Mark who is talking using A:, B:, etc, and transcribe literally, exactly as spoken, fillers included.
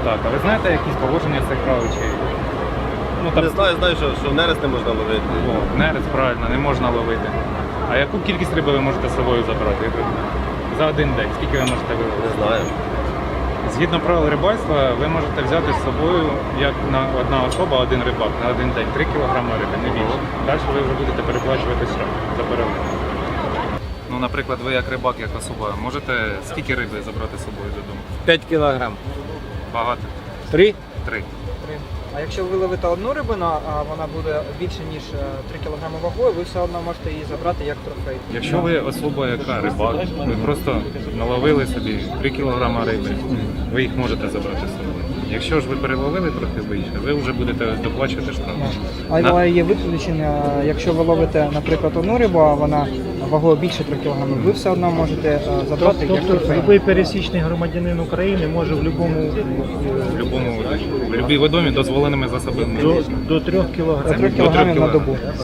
A: Так, а ви знаєте якісь положення цих правил? Чи... Ну,
B: Не знаю, знаю, що, що нерест не можна ловити.
A: О, нерест, правильно, не можна ловити. А яку кількість риби ви можете з собою забрати? За один день? Скільки ви можете виловити?
B: Не знаю.
A: Згідно правил рибальства, ви можете взяти з собою, як на одна особа, один рибак на один день, три кілограми риби, не більше. Далі ви вже будете переплачувати штраф за перевозку. Ну, наприклад, ви як рибак, як особа, можете скільки риби забрати з собою додому?
C: п'ять кілограм.
A: Багато?
C: Три?
A: Три.
D: А якщо ви ловите одну рибину, а вона буде більше ніж три кілограми вагою, ви все одно можете її забрати як трофей.
A: Якщо ви особа, яка рибак, ви просто наловили собі три кілограми риби, ви їх можете забрати з собою. Якщо ж ви переловили трохи більше, ви вже будете доплачувати штраф.
D: Але є виключення, якщо ви ловите, наприклад, одну рибу, а вона вагою більше трьох кілограмів, ви все одно можете забрати як
E: Тобто
D: трофей.
E: будь-який пересічний громадянин України може в будь-якому
A: В будь-якому в будь-якій водомі дозволеними засобами.
E: до, до трьох кілограмів.
D: До трьох кілограмів на добу.